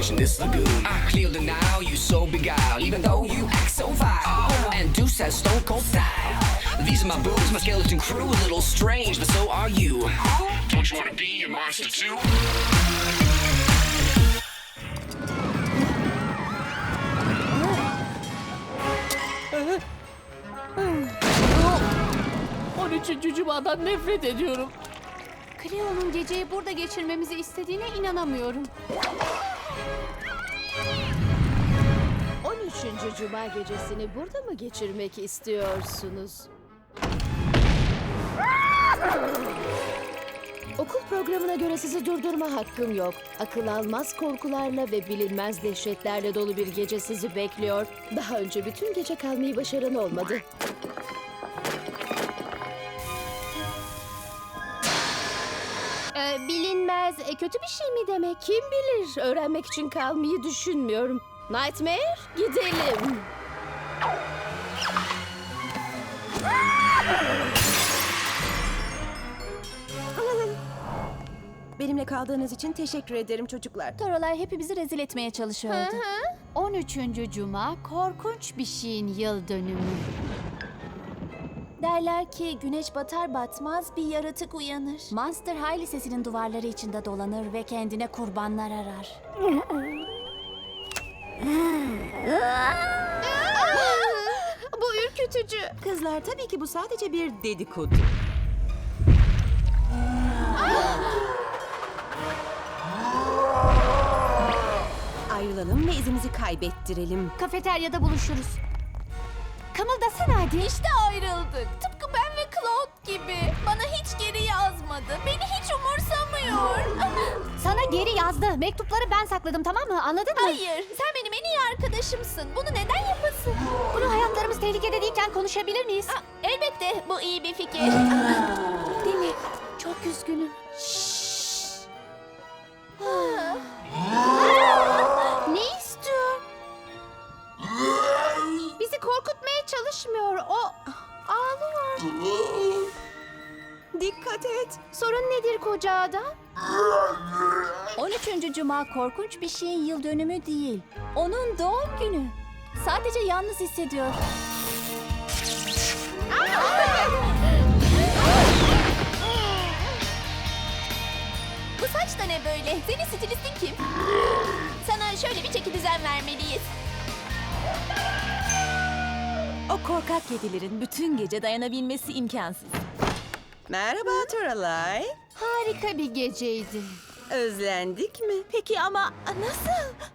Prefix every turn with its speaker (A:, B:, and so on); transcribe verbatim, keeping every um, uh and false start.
A: fish in this lagoon. I clear the Nile, you so beguiled, even though you act so vile. And Deuce has stone cold style. These are my boobs, my skeleton crew, a little strange, but so are you. Don't you wanna be a monster too?
B: on üçüncü Cuma'dan nefret ediyorum.
C: Cleo'nun geceyi burada geçirmemizi istediğine inanamıyorum.
D: on üçüncü Cuma gecesini burada mı geçirmek istiyorsunuz? Okul programına göre sizi durdurma hakkım yok. Akıl almaz korkularla ve bilinmez dehşetlerle dolu bir gece sizi bekliyor. Daha önce bütün gece kalmayı başaran olmadı. Ee, bilinmez e, kötü bir şey mi demek? Kim bilir? Öğrenmek için kalmayı düşünmüyorum. Nightmare, gidelim.
E: Benimle kaldığınız için teşekkür ederim çocuklar.
C: Toralay hepimizi rezil etmeye çalışıyordu. on üçüncü Cuma korkunç bir şeyin yıl dönümü. Derler ki güneş batar batmaz bir yaratık uyanır. Monster High Lisesi'nin duvarları içinde dolanır ve kendine kurbanlar arar.
D: Bu ürkütücü.
E: Kızlar, tabii ki bu sadece bir dedikodu. Ayrılalım ve izimizi kaybettirelim.
C: Kafeteryada buluşuruz. Kımıldasana hadi. İşte ayrıldık. Tıpkı ben ve Claude gibi. Bana hiç geri yazmadı. Beni hiç umursamıyor. Sana geri yazdı. Mektupları ben sakladım, tamam mı? Anladın mı? Hayır. Sen benim en iyi arkadaşımsın. Bunu neden yapasın? Bunu hayatlarımız tehlikede değilken konuşabilir miyiz? Aa, elbette. Bu iyi bir fikir. Değil mi? Çok üzgünüm. Ne istiyor? Bizi korkutmaya çalışmıyor. O ağlıyor.
E: Dikkat et.
C: Sorun nedir koca adam? on üçüncü Cuma korkunç bir şeyin yıl dönümü değil. Onun doğum günü. Sadece yalnız hissediyor. Bu saç da ne böyle? Senin stilistin kim? Sana şöyle bir çeki düzen vermeliyiz.
F: O korkak kedilerin bütün gece dayanabilmesi imkansız.
E: Merhaba Toralay.
C: Harika bir geceydi.
E: Özlendik mi?
F: Peki ama nasıl?